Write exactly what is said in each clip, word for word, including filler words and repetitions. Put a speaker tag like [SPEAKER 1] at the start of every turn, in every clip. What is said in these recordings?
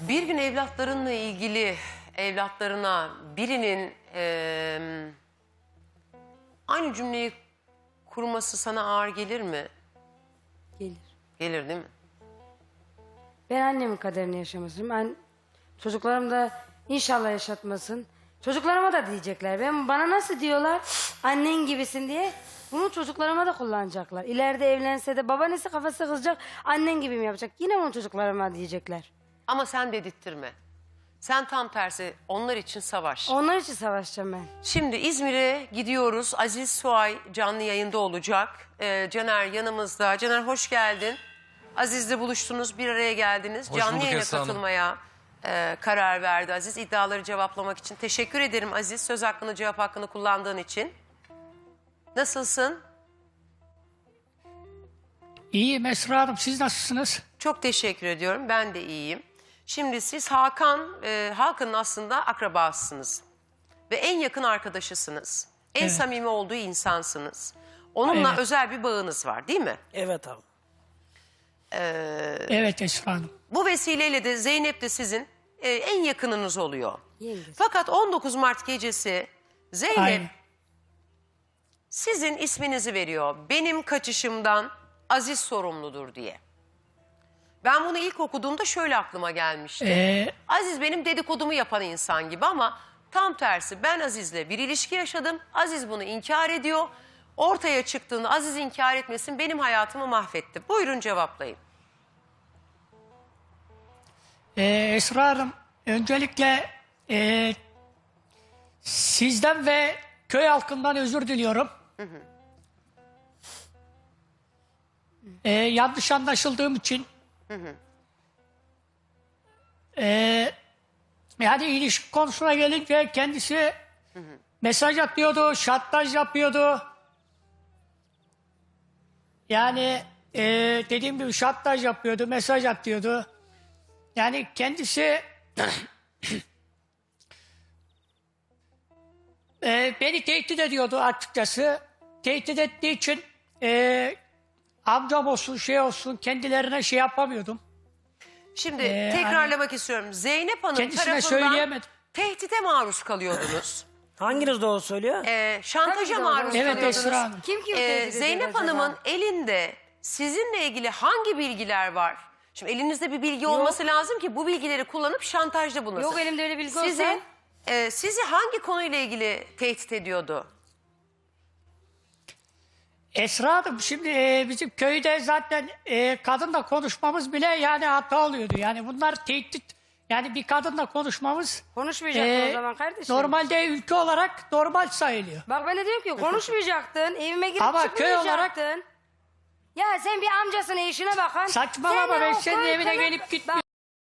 [SPEAKER 1] Bir gün evlatlarınla ilgili evlatlarına birinin eee, aynı cümleyi kurması sana ağır gelir mi?
[SPEAKER 2] Gelir.
[SPEAKER 1] Gelir değil mi?
[SPEAKER 2] Ben annemin kaderini yaşamasın. Ben çocuklarım da inşallah yaşatmasın. Çocuklarıma da diyecekler. Ben bana nasıl diyorlar annen gibisin diye. Bunu çocuklarıma da kullanacaklar. İleride evlense de babaannesi kafası kızacak. Annen gibi mi yapacak? Yine bunu çocuklarıma diyecekler.
[SPEAKER 1] Ama sen dedirttirme. Sen tam tersi onlar için savaş.
[SPEAKER 2] Onlar için savaşacağım ben.
[SPEAKER 1] Şimdi İzmir'e gidiyoruz. Aziz Suay canlı yayında olacak. Ee, Caner yanımızda. Caner hoş geldin. Aziz'le buluştunuz, bir araya geldiniz.
[SPEAKER 3] Hoş
[SPEAKER 1] canlı
[SPEAKER 3] bulduk
[SPEAKER 1] yayına
[SPEAKER 3] Esra Hanım.
[SPEAKER 1] katılmaya e, karar verdi Aziz. İddiaları cevaplamak için. Teşekkür ederim Aziz. Söz hakkını, cevap hakkını kullandığın için. Nasılsın?
[SPEAKER 4] İyiyim Esra Hanım, siz nasılsınız?
[SPEAKER 1] Çok teşekkür ediyorum. Ben de iyiyim. Şimdi siz Hakan, e, Hakan'ın aslında akrabasısınız. Ve en yakın arkadaşısınız. En
[SPEAKER 4] Evet.
[SPEAKER 1] samimi olduğu insansınız. Onunla
[SPEAKER 4] Evet.
[SPEAKER 1] özel bir bağınız var değil mi?
[SPEAKER 5] Evet abi.
[SPEAKER 4] Evet Esra Hanım.
[SPEAKER 1] Bu vesileyle de Zeynep de sizin e, en yakınınız oluyor.
[SPEAKER 2] Yengesi.
[SPEAKER 1] Fakat on dokuz Mart gecesi Zeynep
[SPEAKER 4] Aynen.
[SPEAKER 1] sizin isminizi veriyor. Benim kaçışımdan Aziz sorumludur diye. Ben bunu ilk okuduğumda şöyle aklıma gelmişti.
[SPEAKER 4] Ee,
[SPEAKER 1] Aziz benim dedikodumu yapan insan gibi ama tam tersi. Ben Aziz'le bir ilişki yaşadım. Aziz bunu inkar ediyor. Ortaya çıktığını Aziz inkar etmesin benim hayatımı mahvetti. Buyurun cevaplayın.
[SPEAKER 4] e, Esra Hanım, öncelikle e, sizden ve köy halkından özür diliyorum. E, yanlış anlaşıldığım için. E, yani ilişki konusuna gelince kendisi mesaj atıyordu, şantaj yapıyordu. Yani e, dediğim gibi şantaj yapıyordu, mesaj atıyordu. Yani kendisi e, beni tehdit ediyordu açıkçası. Tehdit ettiği için e, amcam olsun şey olsun kendilerine şey yapamıyordum.
[SPEAKER 1] Şimdi
[SPEAKER 4] Ee,
[SPEAKER 1] tekrarlamak istiyorum. Zeynep Hanım
[SPEAKER 4] Kendisine
[SPEAKER 1] tarafından
[SPEAKER 4] söyleyemedim.
[SPEAKER 1] tehdide maruz kalıyordunuz.
[SPEAKER 5] Hanginiz doğru söylüyor?
[SPEAKER 1] Ee, şantaja
[SPEAKER 2] Tabii doğru.
[SPEAKER 1] maruz
[SPEAKER 4] Evet
[SPEAKER 1] kalıyordunuz.
[SPEAKER 4] Esra Hanım.
[SPEAKER 2] Kim kimi
[SPEAKER 1] Ee,
[SPEAKER 2] tehdit ediyor
[SPEAKER 1] Zeynep
[SPEAKER 2] acaba?
[SPEAKER 1] Hanım'ın elinde sizinle ilgili hangi bilgiler var? Şimdi elinizde bir bilgi olması lazım ki bu bilgileri kullanıp şantajda bulunasın.
[SPEAKER 2] Yok, elimde öyle bilgi
[SPEAKER 1] sizi,
[SPEAKER 2] olsa-
[SPEAKER 1] e, sizi hangi konuyla ilgili tehdit ediyordu?
[SPEAKER 4] Esra Hanım şimdi e, bizim köyde zaten e, kadınla konuşmamız bile yani hata oluyordu. Yani bunlar tehdit, yani bir kadınla konuşmamız
[SPEAKER 2] Konuşmayacaktın
[SPEAKER 4] e,
[SPEAKER 2] o zaman kardeşim.
[SPEAKER 4] normalde ülke olarak normal sayılıyor.
[SPEAKER 2] Bak ben de diyorum ki konuşmayacaktın. Evime girip
[SPEAKER 4] Ama köy
[SPEAKER 2] çıkmayacaktın.
[SPEAKER 4] olarak-
[SPEAKER 2] Ya sen bir amcasına işine bakan.
[SPEAKER 4] Saçmalama,
[SPEAKER 2] sen de
[SPEAKER 4] ben
[SPEAKER 2] o
[SPEAKER 4] senin
[SPEAKER 2] köy
[SPEAKER 4] evine
[SPEAKER 2] konu-
[SPEAKER 4] gelip
[SPEAKER 2] Bak,
[SPEAKER 4] gitmiyorum.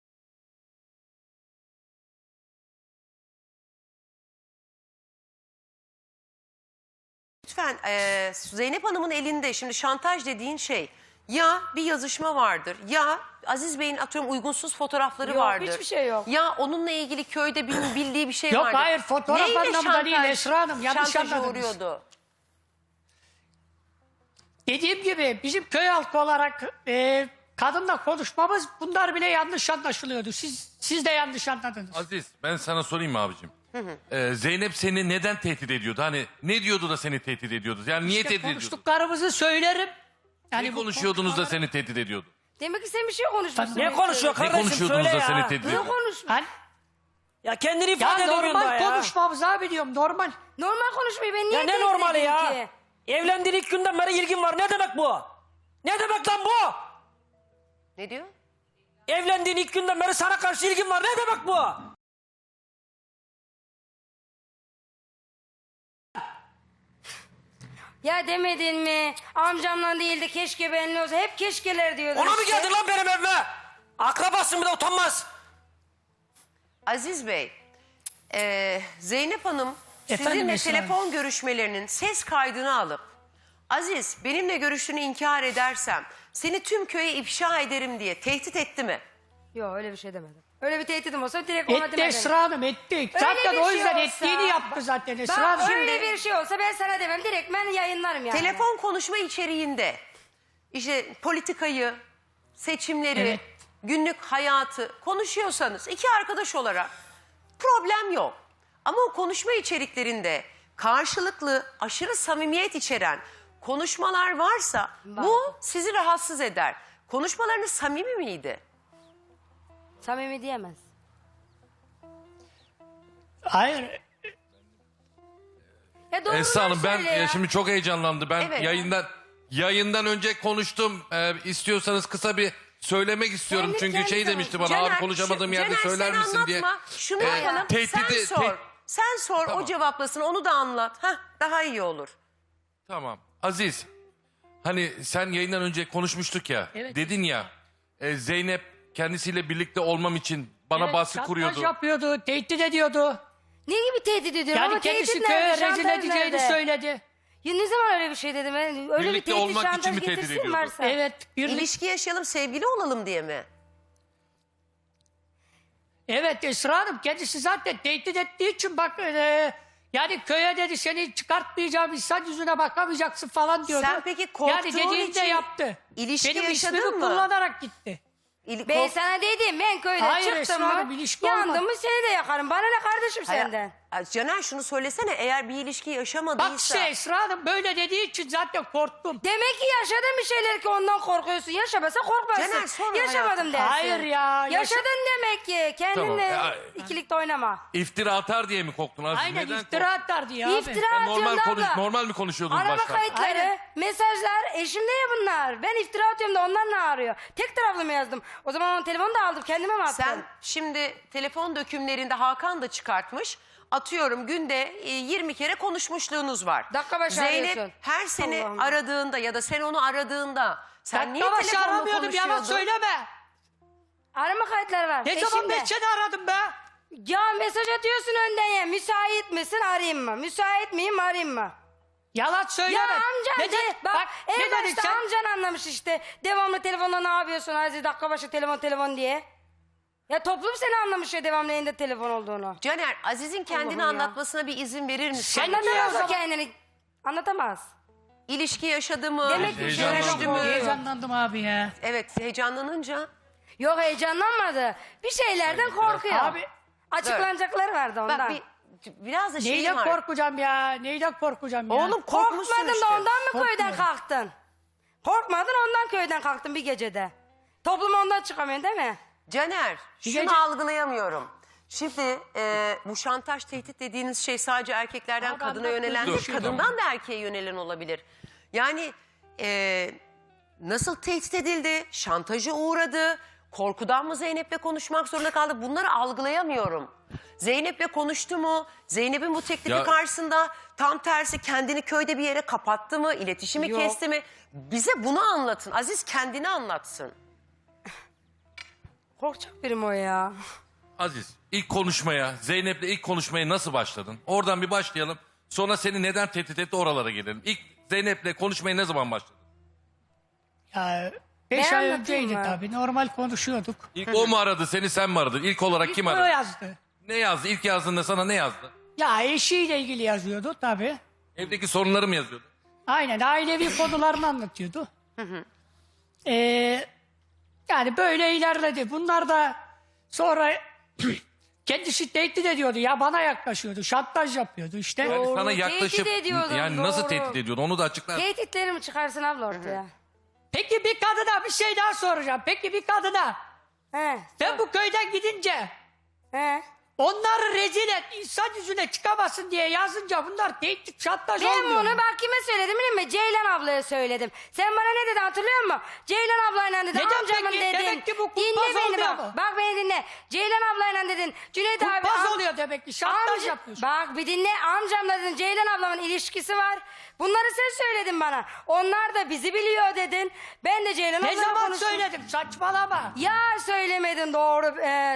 [SPEAKER 1] Lütfen e, Zeynep Hanım'ın elinde şimdi şantaj dediğin şey ya bir yazışma vardır ya Aziz Bey'in atıyorum uygunsuz fotoğrafları
[SPEAKER 2] Yok,
[SPEAKER 1] vardır.
[SPEAKER 2] hiçbir şey yok.
[SPEAKER 1] Ya onunla ilgili köyde bil- bildiği bir şey
[SPEAKER 4] Yok,
[SPEAKER 1] vardır.
[SPEAKER 4] hayır, fotoğraf
[SPEAKER 1] Neyle
[SPEAKER 4] anlamında değil
[SPEAKER 1] şantaj-
[SPEAKER 4] Esra Hanım, yanlış
[SPEAKER 1] şantaja
[SPEAKER 4] anladınız.
[SPEAKER 1] uğruyordu?
[SPEAKER 4] Dediğim gibi bizim köy halkı olarak e, kadınla konuşmamız bunlar bile yanlış anlaşılıyordu. Siz siz de yanlış anladınız.
[SPEAKER 3] Aziz, ben sana sorayım mı abicim? Ee, Zeynep seni neden tehdit ediyordu? Hani ne diyordu da seni tehdit ediyordu? Yani niye
[SPEAKER 4] İşte
[SPEAKER 3] tehdit ediyordu?
[SPEAKER 4] konuştuklarımızı söylerim. Yani
[SPEAKER 3] Ne
[SPEAKER 4] bu
[SPEAKER 3] konuşuyordunuz da
[SPEAKER 4] konuşmalar-
[SPEAKER 3] seni tehdit ediyordu?
[SPEAKER 2] Demek ki sen bir şey konuşmuşsun.
[SPEAKER 5] Ne konuşuyor
[SPEAKER 3] Ne
[SPEAKER 5] kardeşim
[SPEAKER 3] konuşuyordunuz
[SPEAKER 5] söyle
[SPEAKER 3] da seni
[SPEAKER 5] ya.
[SPEAKER 3] tehdit
[SPEAKER 2] Ne
[SPEAKER 3] ediyordu?
[SPEAKER 2] konuş?
[SPEAKER 4] Hani,
[SPEAKER 5] Ya kendini
[SPEAKER 4] ya
[SPEAKER 5] ifade edemiyorsun daha
[SPEAKER 4] normal
[SPEAKER 5] ya.
[SPEAKER 4] konuşmamız abi diyorum, normal.
[SPEAKER 2] Normal konuşmayı ben niye
[SPEAKER 5] Ya ne
[SPEAKER 2] tehdit
[SPEAKER 5] normali
[SPEAKER 2] edeyim
[SPEAKER 5] ya?
[SPEAKER 2] ki?
[SPEAKER 5] Evlendiğin ilk günden beri ilgin var. Ne demek bu? Ne demek lan bu?
[SPEAKER 1] Ne diyor?
[SPEAKER 5] Evlendiğin ilk günden beri sana karşı ilgin var. Ne demek bu?
[SPEAKER 2] Ya demedin mi? Amcamla değil de keşke benimle olsa. Hep keşkeler diyordun
[SPEAKER 5] Ona mı
[SPEAKER 2] işte.
[SPEAKER 5] geldin lan benim evime? Akrabasın bir de utanmaz.
[SPEAKER 1] Aziz Bey, e, Zeynep Hanım
[SPEAKER 4] Efendim
[SPEAKER 1] sizinle
[SPEAKER 4] Esra
[SPEAKER 1] telefon görüşmelerinin ses kaydını alıp Aziz benimle görüştüğünü inkar edersem seni tüm köye ifşa ederim diye tehdit etti mi?
[SPEAKER 2] Yok öyle bir şey demedim. Öyle bir tehditim olsa direkt ona
[SPEAKER 4] Etti
[SPEAKER 2] demedim.
[SPEAKER 4] Esra Hanım, etti.
[SPEAKER 2] Öyle
[SPEAKER 4] Zaten
[SPEAKER 2] bir
[SPEAKER 4] o
[SPEAKER 2] şey
[SPEAKER 4] yüzden
[SPEAKER 2] olsa-
[SPEAKER 4] ettiğini yaptı zaten Esra
[SPEAKER 2] Bak
[SPEAKER 4] Hanım.
[SPEAKER 2] öyle bir şey olsa ben sana demem. Direkt ben yayınlarım yani.
[SPEAKER 1] Telefon konuşma içeriğinde işte politikayı, seçimleri,
[SPEAKER 4] Evet.
[SPEAKER 1] günlük hayatı konuşuyorsanız iki arkadaş olarak problem yok. Ama o konuşma içeriklerinde karşılıklı aşırı samimiyet içeren konuşmalar varsa bu sizi rahatsız eder. Konuşmalarınız samimi miydi?
[SPEAKER 2] Samimi diyemez.
[SPEAKER 4] Hayır.
[SPEAKER 2] Ya doğruları
[SPEAKER 3] Esra Hanım ben
[SPEAKER 2] söyle
[SPEAKER 3] ya
[SPEAKER 2] ya.
[SPEAKER 3] şimdi çok heyecanlandı. Ben
[SPEAKER 1] Evet.
[SPEAKER 3] yayından yayından önce konuştum. Ee, istiyorsanız kısa bir söylemek istiyorum.
[SPEAKER 2] Kendi
[SPEAKER 3] Çünkü
[SPEAKER 2] kendine
[SPEAKER 3] şey demişti bana
[SPEAKER 1] Caner,
[SPEAKER 3] abi konuşamadığım
[SPEAKER 1] şu-
[SPEAKER 3] yerde
[SPEAKER 1] Caner,
[SPEAKER 3] söyler
[SPEAKER 1] sen
[SPEAKER 3] misin diye.
[SPEAKER 1] anlatma. Şunu
[SPEAKER 3] Ee,
[SPEAKER 1] yapalım.
[SPEAKER 3] tehdidi-
[SPEAKER 1] sen sor.
[SPEAKER 3] te-
[SPEAKER 1] sen sor
[SPEAKER 3] Tamam.
[SPEAKER 1] o cevaplasın. Onu da anlat. Hah, daha iyi olur.
[SPEAKER 3] Tamam. Aziz, hani sen yayından önce konuşmuştuk ya.
[SPEAKER 4] Evet.
[SPEAKER 3] Dedin ya, e, Zeynep kendisiyle birlikte olmam için bana
[SPEAKER 4] Evet,
[SPEAKER 3] baskı
[SPEAKER 4] şantaj
[SPEAKER 3] kuruyordu.
[SPEAKER 4] yapıyordu, tehdit ediyordu.
[SPEAKER 2] Ne gibi tehdit ediyor?
[SPEAKER 4] Yani
[SPEAKER 2] Ama
[SPEAKER 4] kendisi
[SPEAKER 2] tehdit
[SPEAKER 4] köye
[SPEAKER 2] nerede?
[SPEAKER 4] rezil
[SPEAKER 2] Şantaj
[SPEAKER 4] edeceğini
[SPEAKER 2] nerede?
[SPEAKER 4] söyledi.
[SPEAKER 2] Ya ne zaman öyle bir şey dedim? Ben? Öyle
[SPEAKER 3] Birlikte
[SPEAKER 2] bir tehdit
[SPEAKER 3] olmak için
[SPEAKER 2] şantaj
[SPEAKER 3] mi tehdit
[SPEAKER 2] getirsin
[SPEAKER 3] ediyordu?
[SPEAKER 2] varsa.
[SPEAKER 4] Evet, birlik.
[SPEAKER 1] İlişki yaşayalım, sevgili olalım diye mi?
[SPEAKER 4] Evet Esra Hanım kendisi zaten tehdit ettiği için bak e, yani köye dedi seni çıkartmayacağım, insan yüzüne bakamayacaksın falan diyordu.
[SPEAKER 1] Sen peki korktuğun
[SPEAKER 4] yani dediğini
[SPEAKER 1] için
[SPEAKER 4] de yaptı.
[SPEAKER 1] ilişki
[SPEAKER 4] Benim
[SPEAKER 1] yaşadın
[SPEAKER 4] ismimi
[SPEAKER 1] mı?
[SPEAKER 4] kullanarak gitti.
[SPEAKER 1] İli-
[SPEAKER 2] Ben
[SPEAKER 1] kork-
[SPEAKER 2] sana dedim ben köyden
[SPEAKER 4] Hayır,
[SPEAKER 2] çıktım
[SPEAKER 4] Esra
[SPEAKER 2] mı
[SPEAKER 4] Hanım, ilişki
[SPEAKER 2] yandım
[SPEAKER 4] olmaz.
[SPEAKER 2] mı seni de yakarım. Bana ne kardeşim
[SPEAKER 1] Hayır,
[SPEAKER 2] senden?
[SPEAKER 1] Ay, Caner şunu söylesene, eğer bir ilişki yaşamadıysa...
[SPEAKER 4] Bak işte Esra Hanım böyle dediği için zaten korktum.
[SPEAKER 2] Demek ki yaşadın bir şeyler ki ondan korkuyorsun. Yaşamasa korkmazsın.
[SPEAKER 1] Caner, sonra
[SPEAKER 2] Yaşamadım
[SPEAKER 1] hayatım.
[SPEAKER 2] dersin.
[SPEAKER 4] Hayır ya, yaşa-
[SPEAKER 2] Yaşadın demek ki. Kendinle
[SPEAKER 3] Tamam, ya-
[SPEAKER 2] ikilikte oynama.
[SPEAKER 3] İftira atar diye mi korktun Aziz?
[SPEAKER 4] Aynen
[SPEAKER 3] Neden
[SPEAKER 4] iftira atardı ya abi.
[SPEAKER 2] İftira
[SPEAKER 3] korktun? Normal,
[SPEAKER 2] atıyorsun
[SPEAKER 3] konuş,
[SPEAKER 2] abla.
[SPEAKER 3] normal mi konuşuyordunuz
[SPEAKER 2] Arama
[SPEAKER 3] başta?
[SPEAKER 2] kayıtları,
[SPEAKER 4] Aynen.
[SPEAKER 2] mesajlar eşimde ya bunlar. Ben iftira atıyorum da onlar ne arıyor? Tek taraflı mı yazdım? O zaman onun telefonu da aldım kendime mi attım?
[SPEAKER 1] Sen şimdi telefon dökümlerinde Hakan da çıkartmış. Atıyorum günde e, yirmi kere konuşmuşluğunuz var.
[SPEAKER 2] Dakika başı
[SPEAKER 1] Zeynep
[SPEAKER 2] arıyorsun.
[SPEAKER 1] her seni
[SPEAKER 2] Allah'ım.
[SPEAKER 1] aradığında ya da sen onu aradığında sen niye
[SPEAKER 4] Dakika başı
[SPEAKER 1] telefonla
[SPEAKER 4] aramıyordum, yalan
[SPEAKER 1] konuşuyordun?
[SPEAKER 4] söyleme.
[SPEAKER 2] Arama kayıtları var.
[SPEAKER 4] Ne zaman
[SPEAKER 2] eşimde.
[SPEAKER 4] ben seni aradım be?
[SPEAKER 2] Ya mesaj atıyorsun önden ya. Müsait misin arayayım mı? Müsait miyim arayayım mı?
[SPEAKER 4] Yalan söyleme.
[SPEAKER 2] Ya amcan
[SPEAKER 4] Neden?
[SPEAKER 2] de, bak,
[SPEAKER 4] Bak,
[SPEAKER 2] en
[SPEAKER 4] ne dedin
[SPEAKER 2] başta
[SPEAKER 4] sen?
[SPEAKER 2] amcan anlamış işte. Devamlı telefonla ne yapıyorsun Aziz, dakika başı telefon telefon diye. Ya toplum seni anlamış ya devamlı elinde telefon olduğunu.
[SPEAKER 1] Caner, Aziz'in kendini
[SPEAKER 2] Allah'ım ya.
[SPEAKER 1] anlatmasına bir izin verir misin?
[SPEAKER 4] Sen niye o
[SPEAKER 2] Anlatamaz o
[SPEAKER 4] zaman?
[SPEAKER 2] kendini. Anlatamaz.
[SPEAKER 1] İlişki yaşadı mı?
[SPEAKER 2] Demek ki
[SPEAKER 3] Heyecanlandım.
[SPEAKER 1] Görüştü mü?
[SPEAKER 4] Heyecanlandım abi ya.
[SPEAKER 1] Evet, heyecanlanınca.
[SPEAKER 2] Yok heyecanlanmadı. Bir şeylerden korkuyor.
[SPEAKER 4] Abi
[SPEAKER 2] Açıklanacakları vardı ondan.
[SPEAKER 1] Bak bir, biraz da şey
[SPEAKER 4] neyden
[SPEAKER 1] var.
[SPEAKER 4] korkacağım ya? Neyden korkacağım ya?
[SPEAKER 1] Oğlum korkmuşsun
[SPEAKER 2] Korkmadın
[SPEAKER 1] işte.
[SPEAKER 2] da ondan mı köyden
[SPEAKER 4] Korkmuyorum.
[SPEAKER 2] kalktın? Korkmadın ondan köyden kalktın bir gecede. Toplum ondan çıkamıyor değil mi?
[SPEAKER 1] Caner, şunu
[SPEAKER 4] gece-
[SPEAKER 1] algılayamıyorum. Şimdi e, bu şantaj, tehdit dediğiniz şey sadece erkeklerden
[SPEAKER 4] Abi
[SPEAKER 1] kadına
[SPEAKER 4] anlat,
[SPEAKER 1] yönelen
[SPEAKER 4] dur,
[SPEAKER 1] değil,
[SPEAKER 4] dur.
[SPEAKER 1] kadından da erkeğe yönelen olabilir. Yani e, nasıl tehdit edildi, şantaja uğradı, korkudan mı Zeynep'le konuşmak zorunda kaldı, bunları algılayamıyorum. Zeynep'le konuştu mu? Zeynep'in bu teklifi
[SPEAKER 3] Ya-
[SPEAKER 1] karşısında tam tersi kendini köyde bir yere kapattı mı? İletişimi
[SPEAKER 2] Yok.
[SPEAKER 1] kesti mi? Bize bunu anlatın. Aziz kendini anlatsın.
[SPEAKER 2] Korkacak birim o ya.
[SPEAKER 3] Aziz, ilk konuşmaya, Zeynep'le ilk konuşmaya nasıl başladın? Oradan bir başlayalım. Sonra seni neden tehdit etti oralara gelelim. İlk Zeynep'le konuşmaya ne zaman başladın?
[SPEAKER 4] Ya beş
[SPEAKER 2] Ben
[SPEAKER 4] ay
[SPEAKER 2] anlatayım
[SPEAKER 4] önceydi
[SPEAKER 2] mı?
[SPEAKER 4] tabii. Normal konuşuyorduk.
[SPEAKER 3] İlk o mu aradı, seni sen mi aradın? İlk olarak kim
[SPEAKER 4] O
[SPEAKER 3] aradı?
[SPEAKER 4] yazdı.
[SPEAKER 3] Ne yazdı? İlk yazdığında sana ne yazdı?
[SPEAKER 4] Ya eşiyle ilgili yazıyordu tabii.
[SPEAKER 3] Evdeki sorunları mı yazıyordu?
[SPEAKER 4] Aynen ailevi konularını anlatıyordu. Ee, yani böyle ilerledi. Bunlar da sonra kendisi tehdit ediyordu. Ya bana yaklaşıyordu. Şantaj yapıyordu işte.
[SPEAKER 3] Yani
[SPEAKER 2] Doğru,
[SPEAKER 3] sana
[SPEAKER 2] tehdit
[SPEAKER 3] yaklaşıp
[SPEAKER 2] ediyordu,
[SPEAKER 3] yani nasıl
[SPEAKER 2] doğru.
[SPEAKER 3] tehdit ediyordu onu da açıklar.
[SPEAKER 2] Tehditlerimi çıkarsın abla ortaya.
[SPEAKER 4] Peki bir kadına bir şey daha soracağım. Peki bir kadına
[SPEAKER 2] He.
[SPEAKER 4] ben bu köyden gidince
[SPEAKER 2] He.
[SPEAKER 4] onları rezil et, insan yüzüne çıkamasın diye yazınca bunlar tehdit, şantaj
[SPEAKER 2] Ben
[SPEAKER 4] olmuyor.
[SPEAKER 2] bunu
[SPEAKER 4] mu?
[SPEAKER 2] bak kime söyledim biliyor musun? Ceylan ablaya söyledim. Sen bana ne dedin hatırlıyor musun? Ceylan ablayla dedin.
[SPEAKER 4] Neden
[SPEAKER 2] Amcamın
[SPEAKER 4] peki?
[SPEAKER 2] dedin.
[SPEAKER 4] Demek ki bu kumpas
[SPEAKER 2] Dinle beni
[SPEAKER 4] oluyor
[SPEAKER 2] bak.
[SPEAKER 4] mu?
[SPEAKER 2] Bak beni dinle. Ceylan ablayla dedin. Cüneyt abi.
[SPEAKER 4] Kumpas
[SPEAKER 2] am-
[SPEAKER 4] oluyor demek ki, şantaj
[SPEAKER 2] amca-
[SPEAKER 4] yapıyorsun.
[SPEAKER 2] Bak bir dinle. Amcamla dedin. Ceylan ablamın ilişkisi var. Bunları sen söyledin bana. Onlar da bizi biliyor dedin. Ben de Ceylan
[SPEAKER 4] Ne
[SPEAKER 2] ablayla
[SPEAKER 4] zaman
[SPEAKER 2] konuştum.
[SPEAKER 4] söyledim, saçmalama.
[SPEAKER 2] Ya söylemedin doğru. Ee,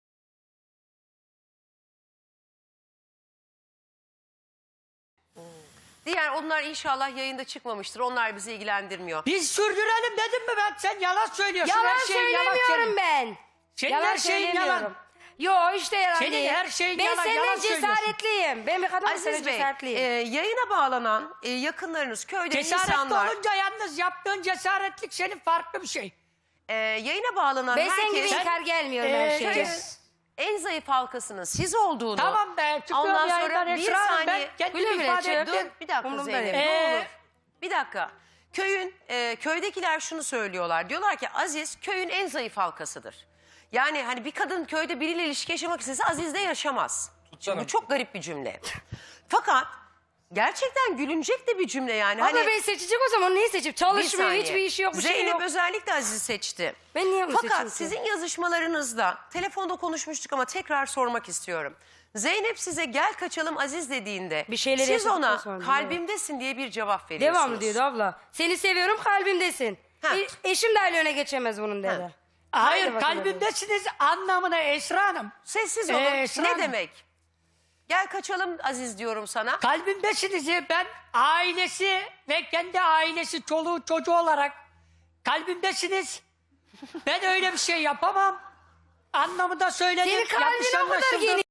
[SPEAKER 1] Diğer onlar inşallah yayında çıkmamıştır. Onlar bizi ilgilendirmiyor.
[SPEAKER 4] Biz sürdürelim dedim mi ben? Sen yalan söylüyorsun.
[SPEAKER 2] yalan
[SPEAKER 4] her şeyin yalan
[SPEAKER 2] söylemiyorum
[SPEAKER 4] senin.
[SPEAKER 2] ben.
[SPEAKER 4] Senin
[SPEAKER 2] yalan
[SPEAKER 4] her şeyin
[SPEAKER 2] söylemiyorum.
[SPEAKER 4] yalan.
[SPEAKER 2] Yo işte yalan
[SPEAKER 4] Senin
[SPEAKER 2] değil.
[SPEAKER 4] her şeyin
[SPEAKER 2] ben
[SPEAKER 4] yalan,
[SPEAKER 2] senden
[SPEAKER 4] yalan söylüyorsun.
[SPEAKER 2] cesaretliyim. Ben bir kadınım senden
[SPEAKER 1] Aziz Bey,
[SPEAKER 2] cesaretliyim.
[SPEAKER 1] e, yayına bağlanan e, yakınlarınız, köyde
[SPEAKER 4] Cesaretli
[SPEAKER 1] insanlar...
[SPEAKER 4] olunca yalnız yaptığın cesaretlik senin farklı bir şey.
[SPEAKER 1] e, yayına bağlanan
[SPEAKER 2] Ben sen gibi
[SPEAKER 1] herkes
[SPEAKER 2] inkar gelmiyorum
[SPEAKER 4] Ee,
[SPEAKER 2] her
[SPEAKER 4] şey-
[SPEAKER 2] şeye.
[SPEAKER 1] köyün en zayıf halkasının siz olduğunu.
[SPEAKER 4] Tamam be, çıkıyorum
[SPEAKER 1] Ondan
[SPEAKER 4] yayından
[SPEAKER 1] sonra bir
[SPEAKER 4] Esra Hanım, ben
[SPEAKER 1] saniye.
[SPEAKER 4] kendimi
[SPEAKER 2] Güle güle
[SPEAKER 4] ifade
[SPEAKER 2] çık.
[SPEAKER 4] ettim.
[SPEAKER 1] Dur bir dakika
[SPEAKER 2] Umurumda
[SPEAKER 1] Zeynep
[SPEAKER 2] değil.
[SPEAKER 1] ne
[SPEAKER 4] Ee,
[SPEAKER 1] olur. Bir dakika. Köyün e, köydekiler şunu söylüyorlar. Diyorlar ki Aziz köyün en zayıf halkasıdır. Yani hani bir kadın köyde biriyle ilişki yaşamak istese Aziz'de yaşamaz. Şimdi bu çok garip bir cümle. Fakat gerçekten gülünecek de bir cümle yani.
[SPEAKER 2] Abla
[SPEAKER 1] hani
[SPEAKER 2] ben seçecek o zaman neyi seçip?
[SPEAKER 1] bir
[SPEAKER 2] Çalışmıyor,
[SPEAKER 1] saniye.
[SPEAKER 2] hiçbir işi yok, bir şey
[SPEAKER 1] Zeynep
[SPEAKER 2] yok.
[SPEAKER 1] özellikle Aziz'i seçti.
[SPEAKER 2] Ben niye onu seçeyim
[SPEAKER 1] Fakat
[SPEAKER 2] ki?
[SPEAKER 1] sizin yazışmalarınızda telefonda konuşmuştuk ama tekrar sormak istiyorum. Zeynep size gel kaçalım Aziz dediğinde
[SPEAKER 2] Bir şeyleri
[SPEAKER 1] siz ona
[SPEAKER 2] yaşadıktan sonra,
[SPEAKER 1] kalbimdesin diye bir cevap veriyorsunuz.
[SPEAKER 2] Devamlı diyordu abla. Seni seviyorum kalbimdesin.
[SPEAKER 1] Ha.
[SPEAKER 2] E, eşim de öne geçemez bunun dedi.
[SPEAKER 1] Ha.
[SPEAKER 4] Hayır,
[SPEAKER 2] Haydi bakalım.
[SPEAKER 4] kalbimdesiniz anlamına Esra Hanım.
[SPEAKER 1] Sessiz olun.
[SPEAKER 4] Ee, Esra
[SPEAKER 1] ne
[SPEAKER 4] Hanım.
[SPEAKER 1] demek? Gel kaçalım Aziz diyorum sana.
[SPEAKER 4] Kalbimdesiniz ya, ben ailesi ve kendi ailesi, çoluğu çocuğu olarak kalbimdesiniz. Ben öyle bir şey yapamam. Anlamında söyledim.
[SPEAKER 2] Senin kalbin
[SPEAKER 4] yanlış
[SPEAKER 2] o kadar
[SPEAKER 4] anlaşıldı.
[SPEAKER 2] geniş.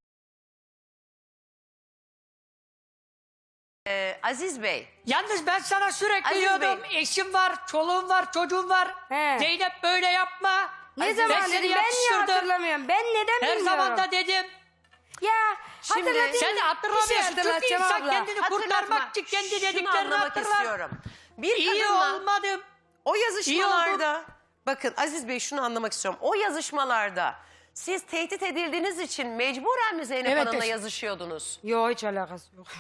[SPEAKER 1] Ee, Aziz Bey.
[SPEAKER 4] Yalnız ben sana sürekli
[SPEAKER 1] Aziz
[SPEAKER 4] diyordum.
[SPEAKER 1] Bey.
[SPEAKER 4] Eşim var, çoluğum var, çocuğum var.
[SPEAKER 2] He.
[SPEAKER 4] Zeynep böyle yapma.
[SPEAKER 2] Ne
[SPEAKER 4] Ben
[SPEAKER 2] zaman
[SPEAKER 4] seni
[SPEAKER 2] dedim ben niye
[SPEAKER 4] yapıştırdım.
[SPEAKER 2] hatırlamıyorum? Ben neden
[SPEAKER 4] Her
[SPEAKER 2] bilmiyorum?
[SPEAKER 4] zaman da dedim.
[SPEAKER 2] Ya
[SPEAKER 1] Şimdi
[SPEAKER 2] hatırlatayım.
[SPEAKER 4] Sen
[SPEAKER 2] Bir şey
[SPEAKER 4] hatırlamıyorsun. Çünkü
[SPEAKER 2] hatırlatacağım
[SPEAKER 4] insan
[SPEAKER 2] abla.
[SPEAKER 4] kendini
[SPEAKER 1] Hatırlatma.
[SPEAKER 4] kurtarmak için kendi
[SPEAKER 1] Şunu
[SPEAKER 4] dediklerini
[SPEAKER 1] anlamak
[SPEAKER 4] hatırlar.
[SPEAKER 1] istiyorum. Bir
[SPEAKER 4] İyi
[SPEAKER 1] kadınla
[SPEAKER 4] olmadım.
[SPEAKER 1] o
[SPEAKER 4] İyi
[SPEAKER 1] yazışmalarda bakın Aziz Bey şunu anlamak istiyorum. O yazışmalarda siz tehdit edildiğiniz için mecburen mi Zeynep
[SPEAKER 4] Evet,
[SPEAKER 1] Hanım'la
[SPEAKER 4] es-
[SPEAKER 1] yazışıyordunuz?
[SPEAKER 2] Yok hiç alakası yok.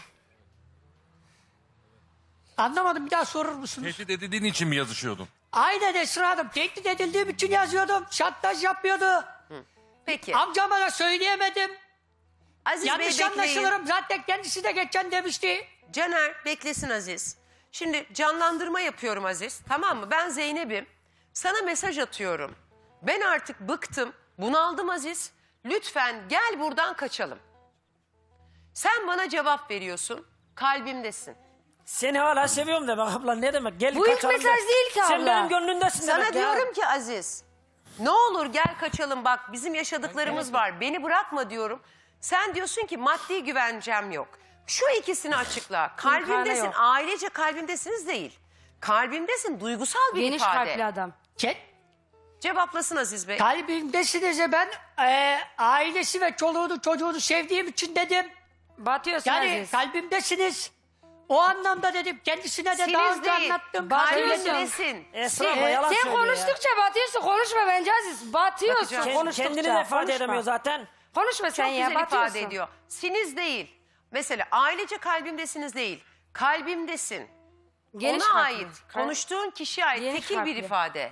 [SPEAKER 4] Anlamadım, bir daha sorur musunuz?
[SPEAKER 3] Tehdit edildiğin için mi yazışıyordun?
[SPEAKER 4] Aynen Esra Hanım. Tehdit edildiğim için yazıyordum. Şantaj yapıyordu.
[SPEAKER 1] Peki.
[SPEAKER 4] Amcama da söyleyemedim.
[SPEAKER 1] Aziz
[SPEAKER 4] Yanlış
[SPEAKER 1] Bey bekleyin.
[SPEAKER 4] anlaşılırım. Zaten kendisi de geçen demişti.
[SPEAKER 1] Caner beklesin Aziz. Şimdi canlandırma yapıyorum Aziz. Tamam mı? Ben Zeynep'im. Sana mesaj atıyorum. Ben artık bıktım. Bunaldım Aziz. Lütfen gel buradan kaçalım. Sen bana cevap veriyorsun. Kalbimdesin.
[SPEAKER 5] Seni hala seviyorum demek abla, ne demek? Gel
[SPEAKER 2] Bu ilk
[SPEAKER 5] kaçalım
[SPEAKER 2] mesaj
[SPEAKER 5] de.
[SPEAKER 2] değil ki
[SPEAKER 5] Sen
[SPEAKER 2] abla.
[SPEAKER 5] benim gönlümdesin
[SPEAKER 1] Sana
[SPEAKER 5] demek ya.
[SPEAKER 1] diyorum ki Aziz. Ne olur gel kaçalım bak bizim yaşadıklarımız var. Beni bırakma diyorum. Sen diyorsun ki maddi güvencem yok. Şu ikisini açıkla. Kalbimdesin,
[SPEAKER 2] yok.
[SPEAKER 1] ailece kalbimdesiniz değil. Kalbimdesin, duygusal bir
[SPEAKER 2] Geniş
[SPEAKER 1] ifade.
[SPEAKER 2] kalpli adam.
[SPEAKER 4] Ke-
[SPEAKER 1] Cevaplasın Aziz Bey.
[SPEAKER 4] Kalbimdesiniz ya, ben e, ailesi ve çoluğunu çocuğunu sevdiğim için dedim.
[SPEAKER 2] Batıyorsun
[SPEAKER 4] Yani
[SPEAKER 2] Aziz.
[SPEAKER 4] kalbimdesiniz. O anlamda dedim. Kendisine de daha
[SPEAKER 1] Siniz
[SPEAKER 4] önce
[SPEAKER 1] değil,
[SPEAKER 4] anlattım.
[SPEAKER 2] Batıyorsun.
[SPEAKER 1] kalbimdesin.
[SPEAKER 5] Esra abla
[SPEAKER 2] Ee,
[SPEAKER 5] yalan
[SPEAKER 2] sen
[SPEAKER 5] söylüyor ya.
[SPEAKER 2] konuştukça batıyorsun. Konuşma bence Aziz. Batıyorsun
[SPEAKER 1] Bakacağım.
[SPEAKER 5] Kend-
[SPEAKER 2] konuştukça.
[SPEAKER 5] Kendini de ifade
[SPEAKER 2] Konuşma.
[SPEAKER 5] edemiyor zaten.
[SPEAKER 2] Konuşma sen
[SPEAKER 1] Çok
[SPEAKER 2] ya
[SPEAKER 1] güzel
[SPEAKER 2] batıyorsun.
[SPEAKER 1] ifade ediyor. Siniz değil. Mesela ailece kalbimdesiniz değil. Kalbimdesin.
[SPEAKER 2] Geniş
[SPEAKER 1] Ona
[SPEAKER 2] kalpli.
[SPEAKER 1] ait,
[SPEAKER 2] Kal-
[SPEAKER 1] konuştuğun kişiye ait
[SPEAKER 2] Geniş
[SPEAKER 1] tekil bir
[SPEAKER 2] kalpli.
[SPEAKER 1] ifade.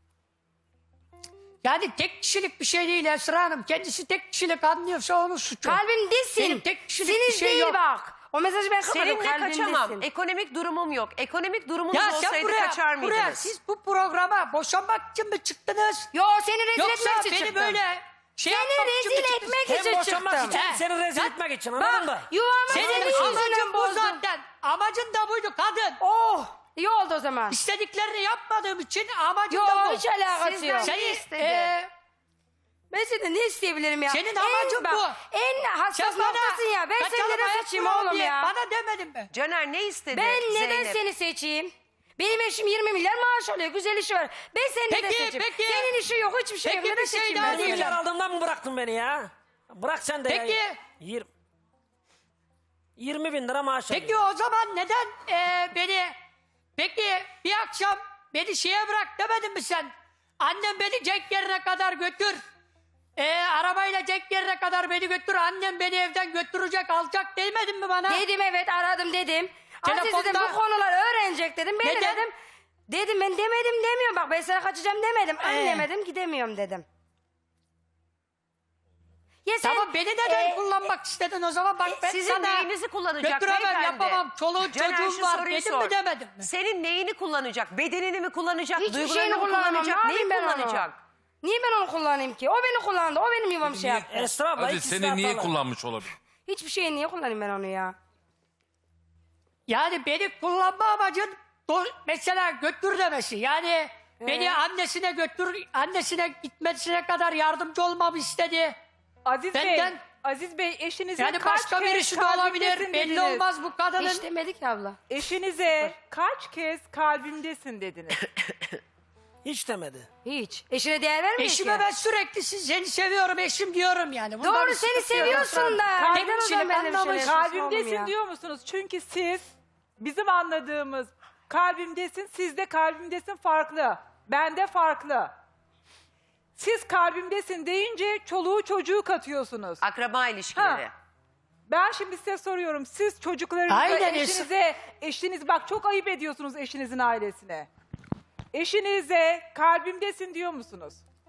[SPEAKER 4] Yani tek kişilik bir şey değil Esra Hanım. Kendisi tek kişilik anlıyorsa onun suçu.
[SPEAKER 2] Kalbimdesin.
[SPEAKER 4] Benim tek kişilik
[SPEAKER 2] Siniz
[SPEAKER 4] bir şey
[SPEAKER 2] değil
[SPEAKER 4] yok.
[SPEAKER 2] bak. O mesajı ben kapadım.
[SPEAKER 1] Seninle
[SPEAKER 2] Kalbimdesin.
[SPEAKER 1] kaçamam. Ekonomik durumum yok. Ekonomik durumunuz
[SPEAKER 4] Ya sen
[SPEAKER 1] olsaydı
[SPEAKER 4] buraya,
[SPEAKER 1] kaçar mıydınız?
[SPEAKER 4] buraya siz bu programa boşanmak için mi çıktınız?
[SPEAKER 2] Yo seni rezil
[SPEAKER 4] Yoksa
[SPEAKER 2] etmek için
[SPEAKER 4] beni
[SPEAKER 2] çıktım.
[SPEAKER 4] böyle şey
[SPEAKER 2] Seni
[SPEAKER 4] yapmak için mi
[SPEAKER 2] rezil
[SPEAKER 4] çıktınız?
[SPEAKER 2] etmek için
[SPEAKER 5] Hem boşanmak
[SPEAKER 2] çıktım.
[SPEAKER 5] için,
[SPEAKER 4] He.
[SPEAKER 5] seni rezil
[SPEAKER 4] Sen-
[SPEAKER 5] etmek için, anladın mı?
[SPEAKER 2] Bak yuvamı
[SPEAKER 4] Senin
[SPEAKER 2] senin
[SPEAKER 4] amacın
[SPEAKER 2] yüzünden
[SPEAKER 4] bu
[SPEAKER 2] bozdum.
[SPEAKER 4] zaten. Amacın da buydu kadın.
[SPEAKER 2] Oh iyi oldu o zaman.
[SPEAKER 4] İstediklerini yapmadığım için amacın
[SPEAKER 2] Yo
[SPEAKER 4] da bu.
[SPEAKER 2] hiç alakası
[SPEAKER 1] Sizden
[SPEAKER 2] yok.
[SPEAKER 1] ne
[SPEAKER 4] Seni,
[SPEAKER 1] istedi?
[SPEAKER 4] e,
[SPEAKER 2] Ben senden ne isteyebilirim ya?
[SPEAKER 4] Senin
[SPEAKER 2] En
[SPEAKER 4] amacın
[SPEAKER 2] bak,
[SPEAKER 4] bu.
[SPEAKER 2] En hassas
[SPEAKER 4] sen bana
[SPEAKER 2] noktasın ya. Ben
[SPEAKER 4] kaçalım
[SPEAKER 2] seni neden
[SPEAKER 4] hayat
[SPEAKER 2] seçeyim
[SPEAKER 4] kuralım
[SPEAKER 2] oğlum
[SPEAKER 4] diye
[SPEAKER 2] ya?
[SPEAKER 4] Bana demedin mi?
[SPEAKER 1] Caner ne istedi
[SPEAKER 2] Ben neden
[SPEAKER 1] Zeynep?
[SPEAKER 2] seni seçeyim? Benim eşim yirmi milyar maaş alıyor. Güzel işi var. Ben seni neden
[SPEAKER 4] Peki,
[SPEAKER 2] seçeyim?
[SPEAKER 4] peki.
[SPEAKER 2] Senin işin yok. Hiçbir şey
[SPEAKER 4] Peki,
[SPEAKER 2] yok. Neden
[SPEAKER 4] bir şey
[SPEAKER 2] seçeyim
[SPEAKER 4] daha
[SPEAKER 2] ben
[SPEAKER 5] yirmi
[SPEAKER 2] seni?
[SPEAKER 5] milyar aldığımdan mı bıraktın beni ya? Bırak sen de
[SPEAKER 4] Peki.
[SPEAKER 5] ya. Yirmi- yirmi bin lira maaş
[SPEAKER 4] Peki
[SPEAKER 5] alıyor.
[SPEAKER 4] o zaman neden e, beni peki bir akşam beni şeye bırak demedin mi sen? Annem beni Cenk yerine kadar götür. E, arabayla Cenk yerine kadar beni götür. Annem beni evden götürecek, alacak demedin mi bana?
[SPEAKER 2] Dedim evet aradım dedim. Aziz dedim
[SPEAKER 4] Telefonda-
[SPEAKER 2] bu konular öğrenecek dedim. Ben de
[SPEAKER 4] Neden?
[SPEAKER 2] dedim. Dedim ben demedim demiyorum. Bak ben sana kaçacağım demedim.
[SPEAKER 4] Ee.
[SPEAKER 2] Annemedim gidemiyorum dedim. Ya sen,
[SPEAKER 4] Tamam beni neden
[SPEAKER 2] e,
[SPEAKER 4] kullanmak istedin o zaman? Bak ben
[SPEAKER 1] Sizin
[SPEAKER 4] sana
[SPEAKER 1] neyinizi kullanacak
[SPEAKER 4] götüremem,
[SPEAKER 1] beyefendi?
[SPEAKER 4] yapamam. Çoluğun
[SPEAKER 1] Caner,
[SPEAKER 4] çocuğum
[SPEAKER 1] şu
[SPEAKER 4] var
[SPEAKER 1] soruyu
[SPEAKER 4] dedim
[SPEAKER 1] sor.
[SPEAKER 4] mi demedim mi?
[SPEAKER 1] Senin neyini kullanacak? Bedenini mi kullanacak?
[SPEAKER 2] Hiçbir
[SPEAKER 1] Duygularını
[SPEAKER 2] şeyini
[SPEAKER 1] mı
[SPEAKER 2] kullanamam.
[SPEAKER 1] kullanacak?
[SPEAKER 2] Ne
[SPEAKER 1] Neyi
[SPEAKER 2] yapayım ben onu?
[SPEAKER 1] kullanacak?
[SPEAKER 2] Niye ben onu kullanayım ki? O beni kullandı. O benim yuvamı şey yaptı.
[SPEAKER 5] Esra abla
[SPEAKER 3] Aziz
[SPEAKER 5] ikisi de
[SPEAKER 3] seni niye
[SPEAKER 5] hatalı.
[SPEAKER 3] kullanmış olabilir?
[SPEAKER 2] Hiçbir şeyi niye kullanayım ben onu ya?
[SPEAKER 4] Yani beni kullanma amacın do- mesela götür demesi. Yani beni annesine götür, annesine gitmesine kadar yardımcı olmamı istedi.
[SPEAKER 6] Aziz
[SPEAKER 4] Benden-
[SPEAKER 6] Bey, Aziz Bey eşinize
[SPEAKER 4] Yani
[SPEAKER 6] kaç
[SPEAKER 4] başka
[SPEAKER 6] kez
[SPEAKER 4] birisi de olabilir.
[SPEAKER 6] kalbimdesin
[SPEAKER 4] Belli
[SPEAKER 6] dediniz?
[SPEAKER 4] olmaz bu kadının.
[SPEAKER 2] Hiç demedik abla.
[SPEAKER 6] Eşinize kaç kez kalbimdesin dediniz?
[SPEAKER 5] Hiç demedi.
[SPEAKER 2] Hiç. Eşine değer vermiyor
[SPEAKER 4] Eşime
[SPEAKER 2] ki.
[SPEAKER 4] ben sürekli siz- seni seviyorum eşim diyorum yani. Bunda
[SPEAKER 2] Doğru
[SPEAKER 4] bir
[SPEAKER 2] seni
[SPEAKER 4] sıkıntı yok.
[SPEAKER 2] seviyorsun da.
[SPEAKER 4] Tek
[SPEAKER 2] Neden o
[SPEAKER 4] kişilik
[SPEAKER 2] zaman benimle bir
[SPEAKER 4] anlamış.
[SPEAKER 2] şeyler yapıyorsun oğlum
[SPEAKER 6] Kalbimdesin
[SPEAKER 2] ya?
[SPEAKER 6] diyor musunuz? Çünkü siz bizim anladığımız kalbimdesin, siz de kalbimdesin farklı. Bende farklı. Siz kalbimdesin deyince çoluğu çocuğu katıyorsunuz.
[SPEAKER 1] Akraba ilişkileri.
[SPEAKER 6] Ha. Ben şimdi size soruyorum. Siz çocuklarınıza,
[SPEAKER 4] Aynen,
[SPEAKER 6] eşinize, eşiniz bak çok ayıp ediyorsunuz eşinizin ailesine. Eşinize kalbimdesin diyor musunuz?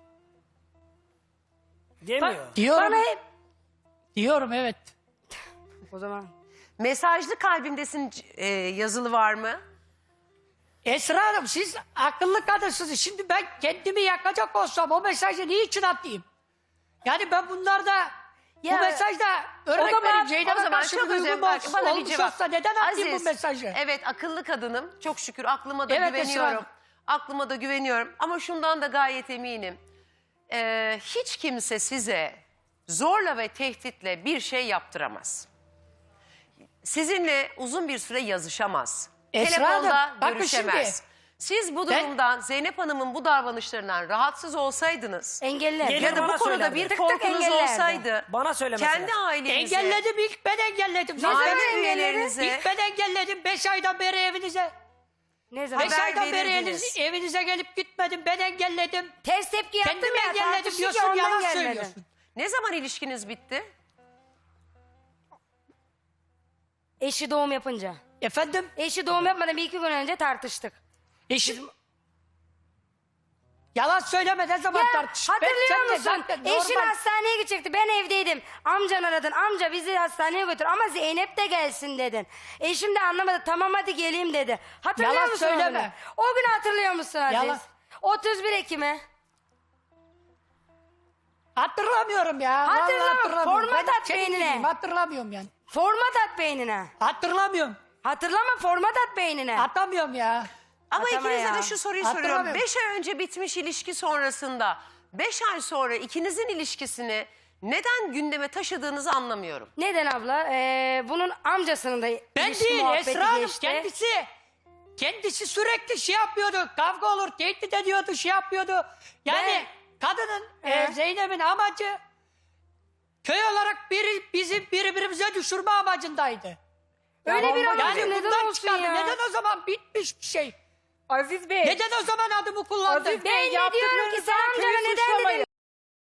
[SPEAKER 5] Demiyor.
[SPEAKER 4] Diyorum.
[SPEAKER 2] Bana hep...
[SPEAKER 4] Diyorum evet.
[SPEAKER 2] O zaman...
[SPEAKER 1] Mesajlı kalbimdesin e, yazılı var mı?
[SPEAKER 4] Esra Hanım siz akıllı kadınsınız. Şimdi ben kendimi yakacak olsam o mesajı niçin atayım? Yani ben bunlarda
[SPEAKER 2] Ya,
[SPEAKER 4] bu mesajda örnek
[SPEAKER 6] zaman-
[SPEAKER 4] vereyim
[SPEAKER 1] O
[SPEAKER 4] Zeynep'e
[SPEAKER 1] zaman
[SPEAKER 4] karşı
[SPEAKER 1] çok
[SPEAKER 4] bir
[SPEAKER 1] özür
[SPEAKER 4] duygum
[SPEAKER 1] bak,
[SPEAKER 4] olsun,
[SPEAKER 1] bana bir
[SPEAKER 4] olmuş
[SPEAKER 1] cevap.
[SPEAKER 4] olsa neden atayım
[SPEAKER 1] Aziz,
[SPEAKER 4] bu mesajı?
[SPEAKER 1] Evet akıllı kadınım. Çok şükür aklıma da
[SPEAKER 4] Evet, Esra
[SPEAKER 1] güveniyorum.
[SPEAKER 4] Hanım.
[SPEAKER 1] Aklıma da güveniyorum. Ama şundan da gayet eminim. Ee, hiç kimse size zorla ve tehditle bir şey yaptıramaz. Sizinle uzun bir süre yazışamaz.
[SPEAKER 4] Esra
[SPEAKER 1] Telefonda
[SPEAKER 4] Hanım, bakın
[SPEAKER 1] görüşemez.
[SPEAKER 4] şimdi.
[SPEAKER 1] Siz bu
[SPEAKER 4] Ben-
[SPEAKER 1] durumdan Zeynep Hanım'ın bu davranışlarından rahatsız olsaydınız
[SPEAKER 2] Engeller.
[SPEAKER 5] Gelir
[SPEAKER 1] ya da bu
[SPEAKER 5] bana
[SPEAKER 1] konuda
[SPEAKER 5] söylerdi.
[SPEAKER 1] bir
[SPEAKER 2] Tık tık
[SPEAKER 1] korkunuz
[SPEAKER 2] engellerdi.
[SPEAKER 1] olsaydı
[SPEAKER 5] Bana söylemesi
[SPEAKER 1] kendi
[SPEAKER 5] lazım.
[SPEAKER 1] ailenize,
[SPEAKER 4] Engelledim ilk ben engelledim. Zaten
[SPEAKER 1] aile
[SPEAKER 2] engelledin?
[SPEAKER 1] üyelerinize
[SPEAKER 4] İlk ben engelledim. Beş aydan beri evinize.
[SPEAKER 2] Ne zaman?
[SPEAKER 4] Beş
[SPEAKER 1] Haber
[SPEAKER 4] aydan beri
[SPEAKER 1] verirdiniz.
[SPEAKER 4] evinize, evinize gelip gitmedim. Ben engelledim.
[SPEAKER 2] Ters tepki yaptım
[SPEAKER 4] Kendimi
[SPEAKER 2] ya.
[SPEAKER 4] engelledim
[SPEAKER 2] tartıştık
[SPEAKER 4] diyorsun
[SPEAKER 2] ya, ondan
[SPEAKER 4] yalan
[SPEAKER 2] gelmedin.
[SPEAKER 4] söylüyorsun.
[SPEAKER 1] ne zaman ilişkiniz bitti?
[SPEAKER 2] Eşi doğum yapınca.
[SPEAKER 4] Efendim
[SPEAKER 2] Eşi doğum yapmadan bir iki gün önce tartıştık.
[SPEAKER 4] eşim... Yalan söyleme ne zaman
[SPEAKER 2] Ya
[SPEAKER 4] tartış.
[SPEAKER 2] hatırlıyor
[SPEAKER 4] Ben- sen de
[SPEAKER 2] musun?
[SPEAKER 4] zaten
[SPEAKER 2] Eşin
[SPEAKER 4] normal-
[SPEAKER 2] hastaneye gidecekti. Ben evdeydim. Amcan aradın. Amca bizi hastaneye götür ama Zeynep de gelsin dedin. Eşim de anlamadı. Tamam hadi geleyim dedi. Hatırlıyor
[SPEAKER 4] Yalan
[SPEAKER 2] musun
[SPEAKER 4] söyleme.
[SPEAKER 2] o günü? O günü hatırlıyor musun Aziz?
[SPEAKER 4] Yalan.
[SPEAKER 2] otuz bir Ekim'e.
[SPEAKER 4] Hatırlamıyorum ya. vallahi
[SPEAKER 2] Hatırlama,
[SPEAKER 4] hatırlamıyorum.
[SPEAKER 2] format
[SPEAKER 4] Ben
[SPEAKER 2] at
[SPEAKER 4] senin
[SPEAKER 2] beynine.
[SPEAKER 4] gibiyim, Hatırlamıyorum yani.
[SPEAKER 2] Format at beynine.
[SPEAKER 4] Hatırlamıyorum.
[SPEAKER 2] Hatırlama format at beynine.
[SPEAKER 4] Atamıyorum ya.
[SPEAKER 1] Ama
[SPEAKER 2] Atama
[SPEAKER 1] ikinize
[SPEAKER 2] ya.
[SPEAKER 1] de şu soruyu
[SPEAKER 4] Hatırlamıyorum.
[SPEAKER 1] soruyorum. Beş ay önce bitmiş ilişki sonrasında beş ay sonra ikinizin ilişkisini neden gündeme taşıdığınızı anlamıyorum.
[SPEAKER 2] Neden abla? Ee, bunun amcasının da
[SPEAKER 4] Ben
[SPEAKER 2] ilişki
[SPEAKER 4] değil
[SPEAKER 2] muhabbeti
[SPEAKER 4] Esra Hanım
[SPEAKER 2] geçti.
[SPEAKER 4] kendisi. Kendisi sürekli şey yapıyordu. Kavga olur, tehdit ediyordu, şey yapıyordu. Yani kadının, e,
[SPEAKER 2] He.
[SPEAKER 4] Zeynep'in amacı köy olarak biri, bizi birbirimize düşürme amacındaydı.
[SPEAKER 2] Öyle bir
[SPEAKER 4] Yani
[SPEAKER 2] amacı neden
[SPEAKER 4] bundan
[SPEAKER 2] olsun
[SPEAKER 4] çıkardı.
[SPEAKER 2] ya?
[SPEAKER 4] Neden o zaman bitmiş bir şey?
[SPEAKER 6] Aziz Bey.
[SPEAKER 4] Neden o zaman adımı kullandın?
[SPEAKER 6] Aziz
[SPEAKER 2] Ben
[SPEAKER 6] Bey
[SPEAKER 2] de diyorum ki
[SPEAKER 6] yaptıklarınızdan
[SPEAKER 2] sen amcana
[SPEAKER 6] köyü
[SPEAKER 2] neden
[SPEAKER 6] suçlamayın.
[SPEAKER 2] dedin?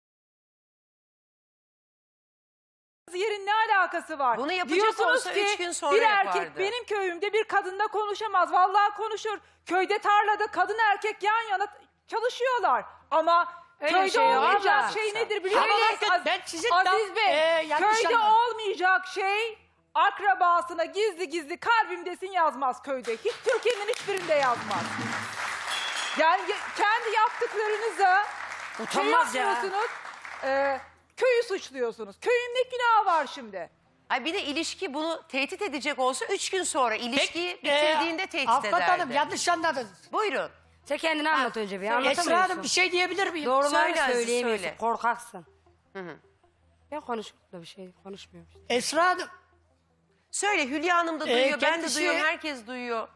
[SPEAKER 6] Yerin ne alakası var?
[SPEAKER 1] Bunu yapacak
[SPEAKER 6] Diyorsunuz
[SPEAKER 1] olsa
[SPEAKER 6] ki,
[SPEAKER 1] üç gün sonra
[SPEAKER 6] bir
[SPEAKER 1] yapardı.
[SPEAKER 6] erkek benim köyümde bir kadınla konuşamaz. Vallahi konuşur. Köyde tarlada kadın erkek yan yana çalışıyorlar. Ama
[SPEAKER 2] Öyle
[SPEAKER 6] köyde
[SPEAKER 2] şey yok
[SPEAKER 6] olmayacak
[SPEAKER 2] abla.
[SPEAKER 6] şey nedir biliyor
[SPEAKER 4] Ama
[SPEAKER 6] musunuz?
[SPEAKER 4] bakın
[SPEAKER 6] Az-
[SPEAKER 4] ben sizin
[SPEAKER 6] Aziz
[SPEAKER 4] tam-
[SPEAKER 6] Bey,
[SPEAKER 4] Ee, yanlış
[SPEAKER 6] köyde
[SPEAKER 4] anladım.
[SPEAKER 6] olmayacak şey akrabasına gizli gizli kalbimdesin yazmaz köyde. Hiç Türkiye'nin hiçbirinde yazmaz. Yani ye- kendi yaptıklarınıza
[SPEAKER 5] Utanmaz
[SPEAKER 6] şey
[SPEAKER 5] ya.
[SPEAKER 6] yapmıyorsunuz, e, köyü suçluyorsunuz. Köyün ne günahı var şimdi?
[SPEAKER 1] Ay bir de ilişki bunu tehdit edecek olsa üç gün sonra ilişkiyi
[SPEAKER 4] Peki, e,
[SPEAKER 1] bitirdiğinde tehdit
[SPEAKER 4] Avukat
[SPEAKER 1] ederdi.
[SPEAKER 4] Hanım yanlış anladınız.
[SPEAKER 1] Buyurun.
[SPEAKER 2] Sen kendini anlat önce bir
[SPEAKER 4] Esra
[SPEAKER 2] anlatamıyorsun.
[SPEAKER 4] Hanım bir şey diyebilir miyim?
[SPEAKER 2] Doğruları
[SPEAKER 1] Söyle Aziz,
[SPEAKER 2] söyleyemiyorsun.
[SPEAKER 1] söyle.
[SPEAKER 2] Korkaksın. Ben konuşuyorum da bir şey konuşmuyorum. işte.
[SPEAKER 4] Esra Hanım
[SPEAKER 1] Söyle Hülya Hanım da
[SPEAKER 4] Ee,
[SPEAKER 1] duyuyor, ben de
[SPEAKER 4] kendisi-
[SPEAKER 1] duyuyorum, herkes duyuyor.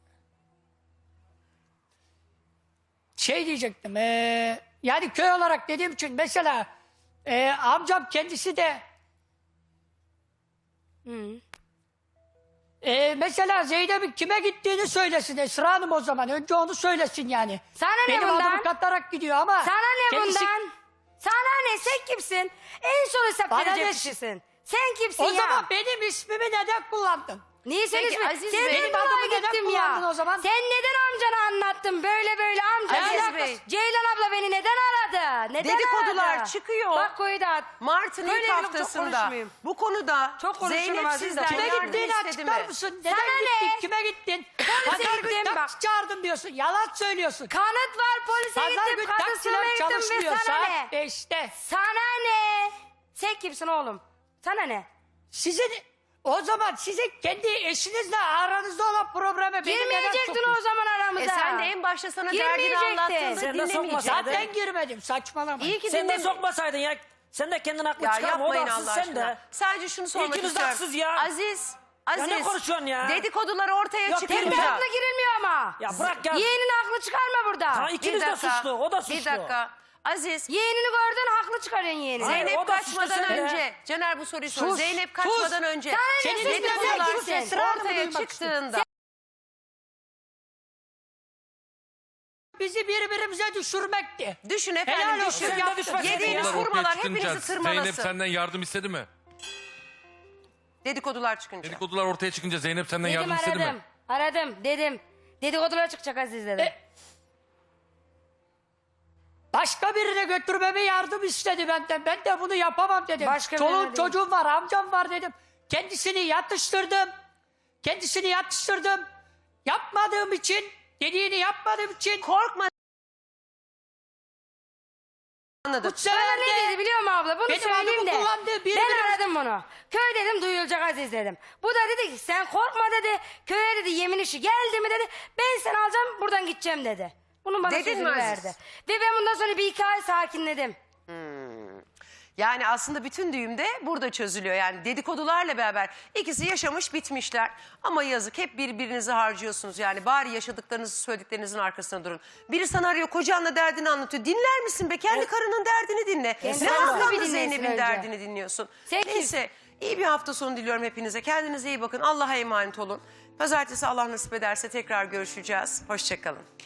[SPEAKER 4] şey diyecektim. eee, yani köy olarak dediğim için mesela eee, amcam kendisi de eee, mesela Zeynep'in kime gittiğini söylesin Esra Hanım o zaman. Önce onu söylesin yani.
[SPEAKER 2] Sana ne
[SPEAKER 4] Benim
[SPEAKER 2] bundan?
[SPEAKER 4] adımı katarak gidiyor ama.
[SPEAKER 2] Sana ne
[SPEAKER 4] kendisi-
[SPEAKER 2] bundan? Sana ne? Sen kimsin? En son hesap
[SPEAKER 4] Bana
[SPEAKER 2] verecek
[SPEAKER 4] ne?
[SPEAKER 2] kişisin. Sen kimsin
[SPEAKER 4] O
[SPEAKER 2] ya?
[SPEAKER 4] zaman benim ismimi neden kullandın?
[SPEAKER 2] Niye sen
[SPEAKER 1] Peki,
[SPEAKER 2] ismi?
[SPEAKER 1] Aziz
[SPEAKER 2] Sen
[SPEAKER 1] Bey,
[SPEAKER 2] benim
[SPEAKER 4] benim
[SPEAKER 2] adımı
[SPEAKER 4] adımı neden
[SPEAKER 2] gittim
[SPEAKER 4] kullandın
[SPEAKER 2] ya.
[SPEAKER 4] o zaman?
[SPEAKER 2] Sen neden amcana anlattın? Böyle böyle amca.
[SPEAKER 1] Aziz
[SPEAKER 2] Alakası-
[SPEAKER 1] Bey.
[SPEAKER 2] Ceylan abla beni neden aradı? Neden
[SPEAKER 1] Dedikodular
[SPEAKER 2] aradı?
[SPEAKER 1] çıkıyor.
[SPEAKER 2] Bak koyu da at.
[SPEAKER 1] Mart'ın
[SPEAKER 2] Böyle
[SPEAKER 1] ilk
[SPEAKER 2] yok, çok
[SPEAKER 1] haftasında
[SPEAKER 2] konuşmayayım.
[SPEAKER 1] bu konuda
[SPEAKER 2] Çok konuşurum
[SPEAKER 1] Zeynep
[SPEAKER 2] Aziz de.
[SPEAKER 1] sizden
[SPEAKER 4] Kime
[SPEAKER 1] yardım
[SPEAKER 4] gittiğini
[SPEAKER 1] istedi
[SPEAKER 4] açıklar
[SPEAKER 1] mi?
[SPEAKER 4] mısın? Neden
[SPEAKER 2] Sana
[SPEAKER 4] gittin?
[SPEAKER 2] ne?
[SPEAKER 4] Kime gittin?
[SPEAKER 2] Polise
[SPEAKER 4] Pazar günü
[SPEAKER 2] gittim,
[SPEAKER 4] taksi
[SPEAKER 2] bak.
[SPEAKER 4] çağırdım diyorsun. Yalan söylüyorsun.
[SPEAKER 2] Kanıt var polise
[SPEAKER 4] Pazar
[SPEAKER 2] gittim.
[SPEAKER 4] günü
[SPEAKER 2] Kadın
[SPEAKER 4] taksiler
[SPEAKER 2] sınavına gittim ve
[SPEAKER 4] çalışmıyor.
[SPEAKER 2] sana ne?
[SPEAKER 4] Saat beşte.
[SPEAKER 2] Sana ne? Sen kimsin oğlum? Sana ne?
[SPEAKER 4] Sizin o zaman sizin kendi eşinizle aranızda olan probleme beni neden
[SPEAKER 2] Girmeyecektin
[SPEAKER 4] sokuyorsun?
[SPEAKER 2] o zaman aramıza.
[SPEAKER 1] E sen de en başta sana derdini
[SPEAKER 2] Girmeyecektin.
[SPEAKER 1] anlattığında
[SPEAKER 5] Sen de
[SPEAKER 1] dinlemeyecektin.
[SPEAKER 5] sokmasaydın.
[SPEAKER 4] Zaten girmedim saçmalama.
[SPEAKER 1] İyi ki
[SPEAKER 5] Sen de
[SPEAKER 1] dinleme-
[SPEAKER 5] sokmasaydın ya. Sen de kendin haklı
[SPEAKER 1] Ya
[SPEAKER 5] çıkarma. O da
[SPEAKER 1] yapmayın
[SPEAKER 5] haksız
[SPEAKER 1] Allah
[SPEAKER 5] sen
[SPEAKER 1] aşkına.
[SPEAKER 5] de.
[SPEAKER 1] Sadece şunu sormak
[SPEAKER 5] İkiniz de
[SPEAKER 1] istiyorum.
[SPEAKER 5] haksız ya.
[SPEAKER 1] Aziz Aziz,
[SPEAKER 5] ne konuşuyorsun ya?
[SPEAKER 1] dedikodular ortaya
[SPEAKER 5] Yok,
[SPEAKER 1] çıkınca.
[SPEAKER 5] girme.
[SPEAKER 2] Aklı girilmiyor ama.
[SPEAKER 5] Ya bırak ya.
[SPEAKER 2] Yeğenin aklı çıkarma burada.
[SPEAKER 5] Ha, ikiniz de suçlu. O da suçlu.
[SPEAKER 1] Bir dakika. Aziz,
[SPEAKER 2] Yeğenini gördün haklı çıkarıyorsun yeğenini.
[SPEAKER 5] Hayır,
[SPEAKER 1] Zeynep
[SPEAKER 5] o da suçlu
[SPEAKER 1] kaçmadan
[SPEAKER 5] sen de.
[SPEAKER 1] önce, Caner bu soruyu sor.
[SPEAKER 4] Sus,
[SPEAKER 1] Zeynep
[SPEAKER 4] sus.
[SPEAKER 1] kaçmadan önce
[SPEAKER 2] Sana ne
[SPEAKER 4] Senin
[SPEAKER 2] sus
[SPEAKER 1] dedikodular
[SPEAKER 2] biraz sus sen.
[SPEAKER 4] esrarını
[SPEAKER 1] ortaya
[SPEAKER 4] duymak
[SPEAKER 1] çıktığında
[SPEAKER 4] Bizi birbirimize düşürmekti.
[SPEAKER 1] düşün
[SPEAKER 4] Helal
[SPEAKER 1] efendim
[SPEAKER 4] olsun,
[SPEAKER 1] düşün.
[SPEAKER 4] yaptı.
[SPEAKER 1] Yediğiniz
[SPEAKER 3] Dedikodular ortaya
[SPEAKER 1] hurmalar
[SPEAKER 3] çıkınca
[SPEAKER 1] hepinizi
[SPEAKER 3] Zeynep
[SPEAKER 1] tırmalasın.
[SPEAKER 3] senden yardım istedi mi?
[SPEAKER 1] Dedikodular çıkınca.
[SPEAKER 3] Dedikodular ortaya çıkınca Zeynep senden
[SPEAKER 2] Dedim
[SPEAKER 3] yardım istedi
[SPEAKER 2] aradım.
[SPEAKER 3] mi?
[SPEAKER 2] Aradım dedim. Dedikodular çıkacak Aziz dedim.
[SPEAKER 4] E, Başka birine götürmeme yardım istedi benden. Ben de bunu yapamam dedim.
[SPEAKER 2] Başka birine
[SPEAKER 4] Çoluğum
[SPEAKER 2] değil.
[SPEAKER 4] çocuğum var, amcam var dedim. Kendisini yatıştırdım. Kendisini yatıştırdım. Yapmadığım için, dediğini yapmadığım için
[SPEAKER 1] Korkma. Anladım.
[SPEAKER 4] bu sefer
[SPEAKER 2] Bana ne dedi
[SPEAKER 4] de
[SPEAKER 2] biliyor musun abla? Bunu
[SPEAKER 4] benim
[SPEAKER 2] söyleyeyim
[SPEAKER 4] adımı
[SPEAKER 2] de.
[SPEAKER 4] kullandı, bir
[SPEAKER 2] Ben
[SPEAKER 4] benim-
[SPEAKER 2] aradım bunu. Köy dedim duyulacak Aziz dedim. Bu da dedi ki sen korkma dedi. Köye dedi yemin işi geldi mi dedi. Ben seni alacağım buradan gideceğim dedi. Bunu bana
[SPEAKER 1] Dedin
[SPEAKER 2] sözünü
[SPEAKER 1] mi Aziz?
[SPEAKER 2] verdi. Ve ben bundan sonra bir iki ay sakinledim.
[SPEAKER 1] Yani aslında bütün düğüm de burada çözülüyor. Yani dedikodularla beraber ikisi yaşamış bitmişler. Ama yazık hep birbirinizi harcıyorsunuz. Yani bari yaşadıklarınızı söylediklerinizin arkasına durun. Biri sana arıyor kocanla derdini anlatıyor. Dinler misin be? Kendi karının derdini dinle.
[SPEAKER 2] Kendi
[SPEAKER 1] Ne
[SPEAKER 2] karını bir
[SPEAKER 1] haklı
[SPEAKER 2] dinlesin
[SPEAKER 1] Zeynep'in
[SPEAKER 2] önce.
[SPEAKER 1] derdini dinliyorsun.
[SPEAKER 2] Sen kim?
[SPEAKER 1] Neyse iyi bir hafta sonu diliyorum hepinize. Kendinize iyi bakın. Allah'a emanet olun. Pazartesi Allah nasip ederse tekrar görüşeceğiz. Hoşçakalın.